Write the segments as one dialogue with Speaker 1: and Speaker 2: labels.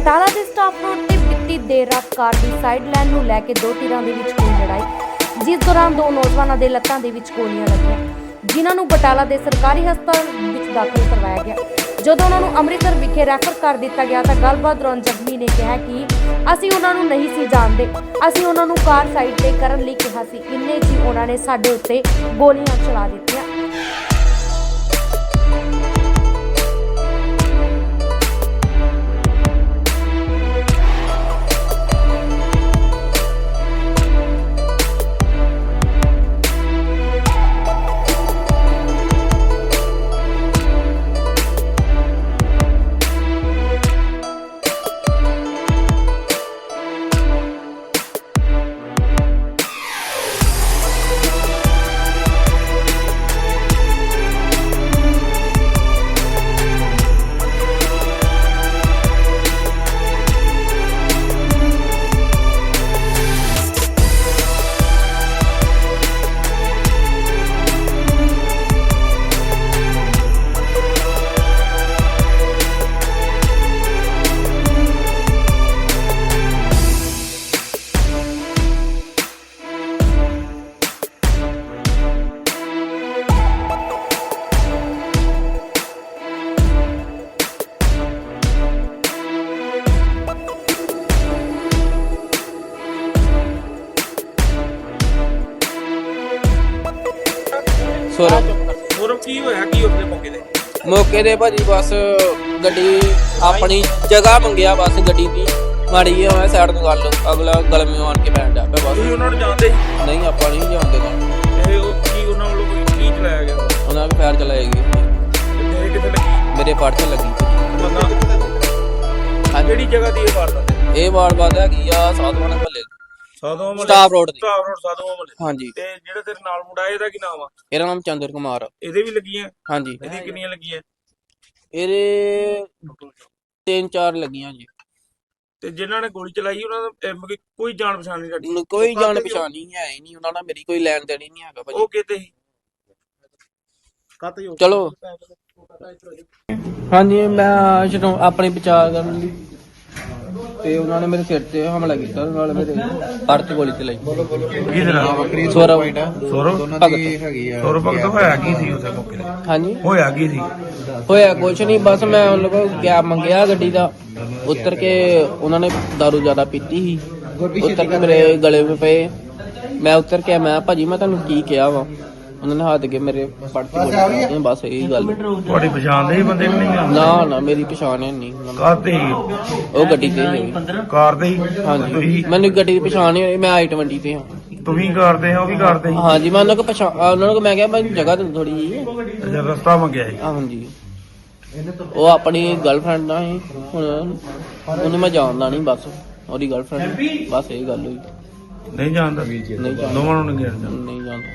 Speaker 1: ਬਟਾਲਾ ਦੇ staff road ਤੇ ਬੀਤੀ ਦੇਰ ਰਾਤ ਕਾਰ ਦੀ ਸਾਈਡ ਲਾਈਨ ਨੂੰ ਲੈ ਕੇ ਦੋ ਧਿਰਾਂ ਦੇ ਵਿੱਚ ਹੋਈ ਲੜਾਈ, ਜਿਸ ਦੌਰਾਨ ਦੋ ਨੌਜਵਾਨਾਂ ਦੇ ਲੱਤਾਂ ਦੇ ਵਿੱਚ ਗੋਲੀਆਂ ਲੱਗੀਆਂ, ਜਿਨ੍ਹਾਂ ਨੂੰ ਬਟਾਲਾ ਦੇ ਸਰਕਾਰੀ ਹਸਪਤਾਲ ਵਿੱਚ ਦਾਖਲ ਕਰਵਾਇਆ ਗਿਆ। ਜਦੋਂ ਉਹਨਾਂ ਨੂੰ ਅੰਮ੍ਰਿਤਸਰ ਵਿਖੇ ਰੈਫਰ ਕਰ ਦਿੱਤਾ ਗਿਆ ਤਾਂ ਗੱਲਬਾਤ ਦੌਰਾਨ ਜ਼ਖਮੀ ਨੇ ਕਿਹਾ ਕਿ ਅਸੀਂ ਉਹਨਾਂ ਨੂੰ ਨਹੀਂ ਸੀ ਜਾਣਦੇ, ਅਸੀਂ ਉਹਨਾਂ ਨੂੰ ਕਾਰ ਸਾਈਡ ਤੇ ਕਰਨ ਲਈ ਕਿਹਾ ਸੀ, ਇੰਨੇ ਜੀ ਉਹਨਾਂ ਨੇ ਸਾਡੇ ਉੱਤੇ ਗੋਲੀਆਂ ਚਲਾ ਦਿੱਤੀਆਂ।
Speaker 2: ਸੌਰਵ ਕੀ ਹੋਇਆ ਕੀ ਉਸਦੇ
Speaker 3: ਮੌਕੇ ਦੇ ਭਾਜੀ ਬਸ ਗੱਡੀ ਆਪਣੀ ਜਗ੍ਹਾ ਮੰਗਿਆ, ਬਸ ਗੱਡੀ ਦੀ ਮਾੜੀ ਜਿਹੀ ਹੋਇਆ ਸਾਈਡ ਤੋਂ ਗੱਲ, ਅਗਲਾ ਗਲਮੇ ਆਣ ਕੇ ਬੈਠ ਜਾ ਪਿਆ। ਬਸ
Speaker 2: ਤੁਸੀਂ ਉਹਨਾਂ ਨੂੰ ਜਾਣਦੇ ਸੀ?
Speaker 3: ਨਹੀਂ, ਆਪਾਂ ਨਹੀਂ ਜਾਣਦੇ।
Speaker 2: ਇਹ ਉਹ ਕੀ ਉਹਨਾਂ ਵੱਲੋਂ ਕੀ ਚਲਾਇਆ ਗਿਆ?
Speaker 3: ਉਹਨਾਂ ਵੀ ਫਾਇਰ ਚਲਾਏਗੀ।
Speaker 2: ਤੇਰੇ ਕਿੱਥੇ ਲੱਗੀ?
Speaker 3: ਮੇਰੇ ਪੜ ਚ ਲੱਗੀ।
Speaker 2: ਕਿਹੜੀ ਜਗ੍ਹਾ ਦੀ ਇਹ ਵਾਰਦਾਤ ਹੈ?
Speaker 3: ਇਹ ਵਾਰਦਾਤ ਹੈਗੀ ਆ ਸਾਧੂਆਂ ਮਹੱਲੇ,
Speaker 2: ਸਾਧੂਆਂ ਮਹੱਲੇ,
Speaker 3: ਸਟਾਫ ਰੋਡ ਤੇ।
Speaker 2: ਸਟਾਫ ਰੋਡ ਸਾਧੂਆਂ ਮਹੱਲੇ।
Speaker 3: ਹਾਂਜੀ।
Speaker 2: ਤੇ ਜਿਹੜਾ ਤੇਰੇ ਨਾਲ ਮੁੰਡਾ ਇਹਦਾ ਕੀ ਨਾਮ ਆ?
Speaker 3: ਇਹਦਾ ਨਾਮ ਚੰਦਰ ਕੁਮਾਰ।
Speaker 2: ਇਹਦੇ ਵੀ ਲੱਗੀਆਂ?
Speaker 3: ਹਾਂਜੀ।
Speaker 2: ਇਹਦੀ ਕਿੰਨੀਆਂ ਲੱਗੀਆਂ?
Speaker 3: ਇਹਦੇ 3-4 ਲੱਗੀਆਂ ਜੀ।
Speaker 2: ਤੇ ਜਿਨ੍ਹਾਂ ਨੇ ਗੋਲੀ ਚਲਾਈ ਉਹਨਾਂ ਦਾ ਕੋਈ ਜਾਣ ਪਛਾਣ ਨਹੀਂ ਸਾਡੀ?
Speaker 3: ਕੋਈ ਜਾਣ ਪਛਾਣ ਨਹੀਂ ਹੈ ਹੀ ਨਹੀਂ, ਉਹਨਾਂ ਨਾਲ ਮੇਰੀ ਕੋਈ ਲੈਣ ਦੇਣ ਹੀ ਨਹੀਂ ਹੈਗਾ ਭਾਜੀ।
Speaker 2: ਉਹ ਕਿਤੇ ਸੀ?
Speaker 3: ਚਲੋ ਹਾਂਜੀ, ਮੈਂ ਜਦੋਂ ਆਪਣੇ ਬਚਾਅ ਕਰਨ ਲਈ ਤੇ ਉਹਨਾਂ ਨੇ ਮੇਰੇ ਸਿਰ ਤੇ ਹਮਲਾ ਕੀਤਾ, ਨਾਲ ਮੇਰੇ ਪੜ ਤੇ ਗੋਲੀ ਚਲਾਈ। ਸੌਰਵ
Speaker 2: ਭਗਤ ਹੋਇਆ ਕੀ ਸੀ ਉਸ ਮੌਕੇ ਤੇ?
Speaker 3: ਹਾਂਜੀ,
Speaker 2: ਹੋਇਆ ਕੀ ਸੀ?
Speaker 3: ਹੋਇਆ ਕੁਛ ਨਹੀਂ, ਬਸ ਮੈਂ ਉਹਨਾਂ ਕੋਲ ਕੈਬ ਮੰਗਿਆ ਗੱਡੀ ਦਾ, ਉਤਰ ਕੇ ਉਹਨਾਂ ਨੇ ਦਾਰੂ ਜ਼ਿਆਦਾ ਪੀਤੀ ਸੀ, ਉਤਰ ਕੇ ਮੇਰੇ ਗਲੇ ਵਿੱਚ ਪਏ। ਮੈਂ ਉਤਰ ਕੇ ਮੈਂ ਭਾਜੀ ਮੈਂ ਤੁਹਾਨੂੰ ਕੀ ਕਿਹਾ ਵਾ? ਉਹਨਾਂ ਨੇ ਹੱਥ ਕੇ ਮੇਰੇ ਪੜ ਤੇ ਗੋਲੀ, ਬਸ ਇਹੀ ਗੱਲ।
Speaker 2: ਤੁਹਾਡੀ ਪਛਾਣ ਦੇ ਬੰਦੇ ਨਹੀਂ?
Speaker 3: ਨਾ, ਮੇਰੀ ਪਛਾਣ ਹੈ ਨਹੀਂ।
Speaker 2: ਕਾਰ ਤੇ
Speaker 3: ਉਹ ਗੱਡੀ ਤੇ ਹੀ।
Speaker 2: ਕਾਰ ਤੇ ਹੀ?
Speaker 3: ਹਾਂਜੀ, ਮੈਨੂੰ ਗੱਡੀ ਦੀ ਪਛਾਣ ਨਹੀਂ ਹੋਈ, ਮੈਂ I-20 ਤੇ ਹਾਂ।
Speaker 2: ਤੁਸੀਂ ਕਰਦੇ ਆ, ਉਹ ਵੀ ਕਰਦੇ ਸੀ?
Speaker 3: ਹਾਂਜੀ, ਮੈਂ ਉਹਨਾਂ ਕੋ ਉਹਨਾਂ ਨੂੰ ਮੈਂ ਕਿਹਾ ਮੈਂ ਜਗ੍ਹਾ ਦੇ ਥੋੜੀ ਜੀ।
Speaker 2: ਅੱਛਾ, ਰਸਤਾ ਮੰਗਿਆ ਸੀ?
Speaker 3: ਹਾਂਜੀ, ਉਹ ਆਪਣੀ ਗਰਲਫ੍ਰੈਂਡ ਨਾਲ ਸੀ, ਹੁਣ ਉਹਨੂੰ ਮੈਂ ਜਾਣਦਾ ਨਹੀਂ, ਬਸ ਉਹਦੀ ਗਰਲਫ੍ਰੈਂਡ, ਬਸ ਇਹ ਗੱਲ ਹੋਈ।
Speaker 2: ਨਹੀਂ ਜਾਣਦਾ?
Speaker 3: ਨਹੀਂ ਜਾਣਦਾ,
Speaker 2: ਦੋਵਾਂ ਨੂੰ ਨਹੀਂ
Speaker 3: ਜਾਣਦਾ।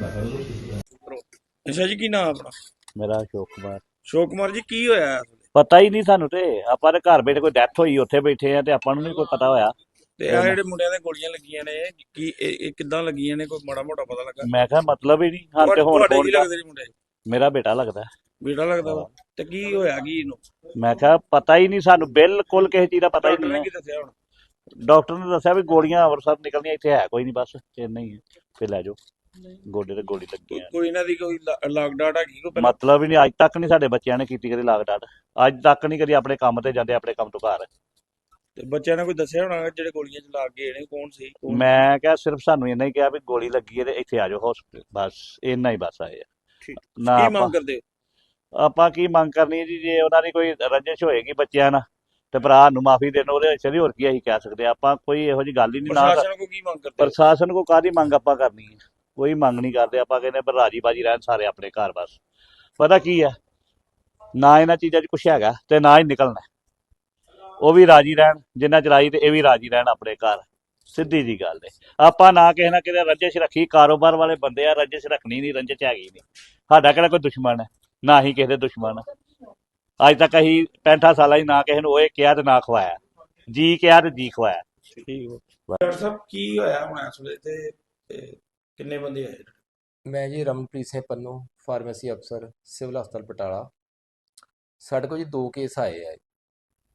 Speaker 2: ਅੱਛਾ ਜੀ, ਕੀ ਨਾਮ ਆਪਣਾ?
Speaker 4: ਮੇਰਾ ਅਸ਼ੋਕ ਕੁਮਾਰ।
Speaker 2: ਅਸ਼ੋਕ ਕੁਮਾਰ ਜੀ, ਕੀ ਹੋਇਆ?
Speaker 4: ਪਤਾ ਹੀ ਨਹੀਂ ਸਾਨੂੰ, ਤੇ ਆਪਾਂ ਦੇ ਘਰ ਬੈਠੇ ਕੋਈ ਡੈਥ ਹੋਈ ਉੱਥੇ ਬੈਠੇ ਆ ਤੇ ਆਪਾਂ ਨੂੰ ਨਹੀਂ ਕੋਈ ਪਤਾ ਹੋਇਆ।
Speaker 2: ਤੇ ਆ ਜਿਹੜੇ ਮੁੰਡਿਆਂ ਦੇ ਗੋਲੀਆਂ ਲੱਗੀਆਂ ਨੇ, ਕੀ ਇਹ ਕਿੱਦਾਂ ਲੱਗੀਆਂ ਨੇ? ਕੋਈ ਮਾੜਾ ਮੋਟਾ ਪਤਾ ਲੱਗਾ?
Speaker 4: ਮੈਂ ਕਿਹਾ ਮਤਲਬ ਹੀ ਨਹੀਂ ਹਾਂ। ਤੇ ਹੁਣ
Speaker 2: ਤੁਹਾਡੇ ਕੀ ਲੱਗਦੇ ਨੇ ਮੁੰਡੇ?
Speaker 4: ਮੇਰਾ ਬੇਟਾ ਲੱਗਦਾ।
Speaker 2: ਬੇਟਾ ਲੱਗਦਾ ਵਾ? ਤੇ ਕੀ ਹੋਇਆ ਕੀ ਇਹਨੂੰ?
Speaker 4: ਮੈਂ ਕਿਹਾ ਪਤਾ ਹੀ ਨਹੀਂ ਸਾਨੂੰ, ਬਿਲਕੁਲ ਕਿਸੇ ਚੀਜ਼ ਦਾ ਪਤਾ ਹੀ
Speaker 2: ਡਾਕਟਰ ਨੇ
Speaker 4: ਨਹੀਂ।
Speaker 2: ਕੀ ਦੱਸਿਆ ਹੁਣ?
Speaker 4: ਡਾਕਟਰ ਨੇ ਦੱਸਿਆ ਵੀ ਗੋਲੀਆਂ ਅੰਮ੍ਰਿਤਸਰ ਨਿਕਲਦੀਆਂ, ਇੱਥੇ ਹੈ ਕੋਈ ਨਹੀਂ, ਬਸ ਇੰਨਾ ਹੀ ਹੈ, ਫਿਰ ਲੈ ਜਾਓ। ਗੋਡੇ ਤੇ ਗੋਲੀ ਲੱਗੀ ਆ।
Speaker 2: ਕੋਈ ਇਹਨਾਂ ਦੀ ਕੋਈ ਲਾਗ ਡਾਟ ਹੈਗੀ ਕੋਈ?
Speaker 4: ਮਤਲਬ ਹੀ ਨਹੀਂ, ਅੱਜ ਤੱਕ ਨਹੀਂ ਸਾਡੇ ਬੱਚਿਆਂ ਨੇ ਕੀਤੀ ਕਦੀ ਲਾਗ ਡਾਟ, ਅੱਜ ਤੱਕ ਨਹੀਂ ਕਦੀ ਆਪਣੇ ਕੰਮ ਤੇ ਜਾਂਦੇ, ਆਪਣੇ ਕੰਮ ਤੋਂ ਘਰ।
Speaker 2: ਤੇ ਬੱਚਿਆਂ ਨੇ ਕੋਈ ਦੱਸਿਆ ਹੋਣਾ ਜਿਹੜੇ ਗੋਲੀਆਂ ਚ ਲੱਗ ਗਏ ਨੇ ਕੌਣ ਸੀ?
Speaker 4: ਮੈਂ ਕਿਹਾ ਸਿਰਫ ਸਾਨੂੰ ਇੰਨਾ ਹੀ ਕਿਹਾ ਵੀ ਗੋਲੀ ਲੱਗੀ ਹੈ ਤੇ ਇੱਥੇ ਆ ਜਾਓ ਹਸਪੀਟਲ, ਬਸ ਇੰਨਾ ਹੀ ਬਸ ਆਏ ਆ। ਨਾ
Speaker 2: ਕੀ ਮੰਗ ਕਰਦੇ?
Speaker 4: ਆਪਾਂ ਕੀ ਮੰਗ ਕਰਨੀ ਹੈ ਜੀ? ਜੇ ਉਹਨਾਂ ਦੀ ਕੋਈ ਰੰਜਿਸ਼ ਹੋਏਗੀ ਬੱਚਿਆਂ ਨਾਲ ਤੇ ਭਰਾ ਨੂੰ ਮਾਫੀ ਦੇਣ, ਉਹਦੇ ਵਿੱਚ ਹੋਰ ਕੀ ਅਸੀਂ ਕਹਿ ਸਕਦੇ ਆ? ਆਪਾਂ ਕੋਈ ਇਹੋ ਜਿਹੀ ਗੱਲ ਹੀ ਨਹੀਂ। ਨਾ
Speaker 2: ਪ੍ਰਸ਼ਾਸਨ ਕੋ ਕੀ ਮੰਗ ਕਰਦੇ?
Speaker 4: ਪ੍ਰਸ਼ਾਸਨ ਕੋ ਕਾਹਦੀ ਮੰਗ ਆਪਾਂ ਕਰਨੀ ਹੈ? ਕੋਈ ਮੰਗ ਨਹੀਂ ਕਰਦੇ ਆਪਾਂ, ਕਹਿੰਦੇ ਪਰ ਰਾਜੀ ਬਾਜੀ ਰਹਿਣ ਸਾਰੇ ਆਪਣੇ ਘਰ। ਬਸ ਪਤਾ ਕੀ ਹੈ, ਨਾ ਇਹਨਾਂ ਚੀਜ਼ਾਂ 'ਚ ਕੁਛ ਹੈਗਾ ਤੇ ਨਾ ਹੀ ਨਿਕਲਣਾ। ਉਹ ਵੀ ਰਾਜੀ ਰਹਿਣ ਜਿੰਨਾ ਚਲਾਈ, ਤੇ ਇਹ ਵੀ ਰਾਜੀ ਰਹਿਣ ਆਪਣੇ ਘਰ, ਸਿੱਧੀ ਜੀ ਗੱਲ ਹੈ। ਆਪਾਂ ਨਾ ਕਿਸੇ ਨਾ ਕਿਤੇ ਰੰਜਿਸ਼ ਰੱਖੀ, ਕਾਰੋਬਾਰ ਵਾਲੇ ਬੰਦੇ ਆ, ਰੰਜਿਸ਼ ਰੱਖਣੀ ਨਹੀਂ, ਰੰਜਿਸ਼ ਹੈਗੀ ਨਹੀਂ। ਸਾਡਾ ਕਿਹੜਾ ਕੋਈ ਦੁਸ਼ਮਣ ਹੈ? ਨਾ ਹੀ ਕਿਸੇ ਦੇ ਦੁਸ਼ਮਣ। ਅੱਜ ਤੱਕ ਅਸੀਂ 65 ਸਾਲਾਂ ਹੀ ਨਾ ਕਿਸੇ ਨੂੰ ਉਹ ਕਿਹਾ ਤੇ ਨਾ ਖਵਾਇਆ, ਜੀ ਕਿਹਾ ਤੇ ਜੀ ਖਵਾਇਆ।
Speaker 2: ਠੀਕ ਹੋ ਡਾਕਟਰ ਸਾਹਿਬ, ਕੀ ਹੋਇਆ ਹੁਣ ਇਸ ਵੇਲੇ ਤੇ ਕਿੰਨੇ ਬੰਦੇ ਆਏ?
Speaker 5: ਮੈਂ ਜੀ ਰਮਨਪ੍ਰੀਤ ਸਿੰਘ ਪੰਨੂ, ਫਾਰਮੇਸੀ ਅਫਸਰ, ਸਿਵਲ ਹਸਪਤਾਲ ਬਟਾਲਾ। ਸਾਡੇ ਕੋਲ ਜੀ 2 ਕੇਸ ਆਏ ਆ।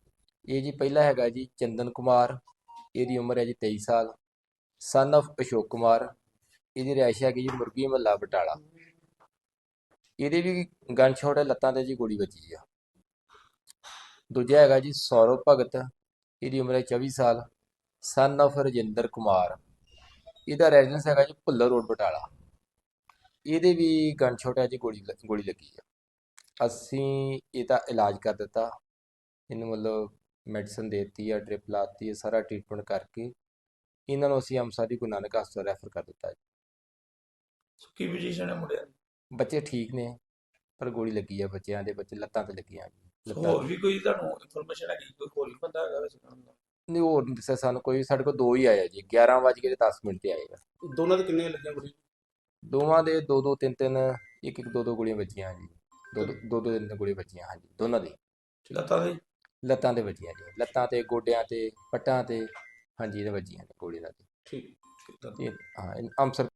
Speaker 5: ਇਹ ਜੀ ਪਹਿਲਾ ਹੈਗਾ ਜੀ ਚੰਦਨ ਕੁਮਾਰ, ਇਹਦੀ ਉਮਰ ਹੈ ਜੀ 23 ਸਾਲ, ਸਨ of ਅਸ਼ੋਕ ਕੁਮਾਰ, ਇਹਦੀ ਰਿਹਾਇਸ਼ ਹੈਗੀ ਜੀ ਮੁਰਗੀ ਮਹੱਲਾ ਬਟਾਲਾ। ਇਹਦੇ ਵੀ ਗਨ ਸ਼ਾਟ ਹੈ, ਲੱਤਾਂ ਤੇ ਜੀ ਗੋਲੀ ਵੱਜੀ ਆ। ਦੂਜਾ ਹੈਗਾ ਜੀ ਸੌਰਵ ਭਗਤ, ਇਹਦੀ ਉਮਰ ਹੈ 24 ਸਾਲ, ਸਨ of ਰਜਿੰਦਰ ਕੁਮਾਰ, ਇਹਦਾ ਰੈਜ਼ੀਡੈਂਸ ਹੈਗਾ ਜੀ ਭੁੱਲਰ ਰੋਡ ਬਟਾਲਾ। ਇਹਦੇ ਵੀ ਗਨ ਸ਼ਾਟ ਹੈ ਜੀ, ਗੋਲੀ ਲੱਗੀ ਆ। ਅਸੀਂ ਇਹਦਾ ਇਲਾਜ ਕਰ ਦਿੱਤਾ, ਇਹਨੂੰ ਮਤਲਬ ਮੈਡੀਸਨ ਦੇ ਦਿੱਤੀ ਆ, ਡ੍ਰਿਪ ਲਾਤੀ ਹੈ, ਸਾਰਾ ਟ੍ਰੀਟਮੈਂਟ ਕਰਕੇ ਇਹਨਾਂ ਨੂੰ ਅਸੀਂ ਅੰਮ੍ਰਿਤਸਰ ਦੀ ਗੁਰੂ ਨਾਨਕ ਹਸਪਤਾਲ ਰੈਫਰ ਕਰ ਦਿੱਤਾ ਜੀ।
Speaker 2: ਕੀ ਪੋਜੀਸ਼ਨ ਹੈ ਮੁੰਡਿਆਂ ਦੀ?
Speaker 5: ਬੱਚੇ ਠੀਕ ਨੇ, ਪਰ ਗੋਲੀ ਲੱਗੀ ਆ ਬੱਚਿਆਂ ਦੇ, ਬੱਚੇ ਲੱਤਾਂ ਤੇ ਲੱਗੀਆਂ ਜੀ।
Speaker 2: ਹੋਰ ਵੀ ਕੋਈ ਤੁਹਾਨੂੰ ਇਨਫੋਰਮੇਸ਼ਨ ਹੈਗੀ ਕੋਈ ਹੋਰ ਵੀ ਬੰਦਾ ਹੈਗਾ ਵੈਸੇ ਕਰਨ ਦਾ?
Speaker 5: ਨਹੀਂ, ਹੋਰ ਨਹੀਂ ਦੱਸਿਆ ਸਾਨੂੰ ਕੋਈ। ਸਾਡੇ ਕੋਲ ਦੋ ਹੀ ਆਏ ਜੀ, 11:10 ਤੇ ਆਏ ਆ।
Speaker 6: ਦੋਨਾਂ ਦੇ ਕਿੰਨੇ ਲੱਗੀਆਂ ਗੋਲੀ?
Speaker 5: ਦੋਵਾਂ ਦੇ ਦੋ ਦੋ ਤਿੰਨ ਤਿੰਨ, ਇੱਕ ਇੱਕ ਦੋ ਦੋ ਗੋਲੀਆਂ ਵੱਜੀਆਂ ਜੀ। ਦੋ ਦੋ ਤਿੰਨ ਗੋਲੀਆਂ ਵੱਜੀਆਂ ਹਾਂਜੀ, ਦੋਨਾਂ ਦੀ
Speaker 2: ਲੱਤਾਂ ਦੇ?
Speaker 5: ਲੱਤਾਂ ਤੇ ਵੱਜੀਆਂ ਜੀ, ਲੱਤਾਂ ਤੇ, ਗੋਡਿਆਂ ਤੇ, ਪੱਟਾਂ ਤੇ, ਹਾਂਜੀ ਇਹਦੇ ਵੱਜੀਆਂ ਨੇ ਗੋਲੀ ਨਾਲ।
Speaker 2: ਠੀਕ।
Speaker 5: ਹਾਂ ਅੰਮ੍ਰਿਤਸਰ